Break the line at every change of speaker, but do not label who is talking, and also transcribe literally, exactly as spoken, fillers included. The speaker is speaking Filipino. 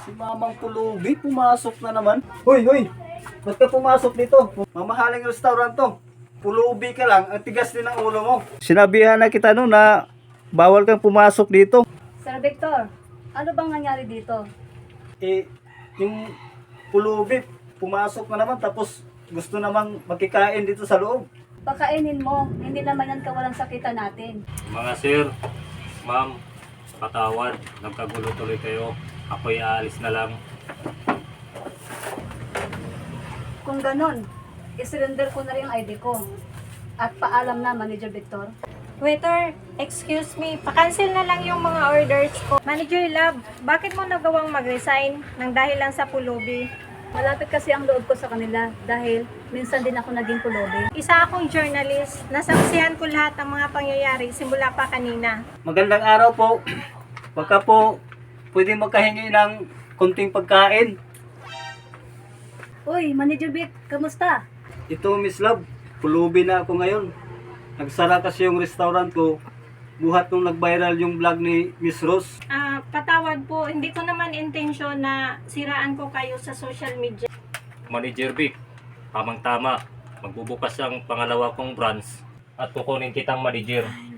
Si Mamang Pulubi, pumasok na naman. Hoy, hoy! Ba't ka pumasok dito? Mamahaling restaurant to. Pulubi ka lang, ang tigas din ang ulo mo. Sinabihan na kita no na bawal kang pumasok dito.
Sir Victor, ano bang nangyari dito?
Eh, yung pulubi, pumasok na naman tapos gusto namang makikain dito sa loob.
Pakainin mo, hindi naman yan kawalang sakitan natin.
Mga sir, ma'am, patawad, nagkagulo tuloy kayo. Ako'y aalis na lang.
Kung ganon, isurrender ko na rin ang I D ko. At paalam na, Manager Victor.
Waiter, excuse me, pa-cancel na lang yung mga orders ko. Manager Love, bakit mo nagawang mag-resign nang dahil lang sa pulubi?
Malapit kasi ang loob ko sa kanila dahil minsan din ako naging pulubi.
Isa akong journalist, nasaksihan ko lahat ng mga pangyayari simula pa kanina.
Magandang araw po. Baka po pwede magkahingi ng konting pagkain.
Uy, Manager Vic, kamusta?
Ito, Miss Love, pulubi na ako ngayon. Nagsara kasi yung restaurant ko. Buhat nung nag-viral yung vlog ni Miss Rose.
Ah, patawad po, hindi ko naman intensyon na siraan ko kayo sa social media.
Manager Vic, tamang-tama. Magbubukas ang pangalawa kong branch at kukunin kitang manager.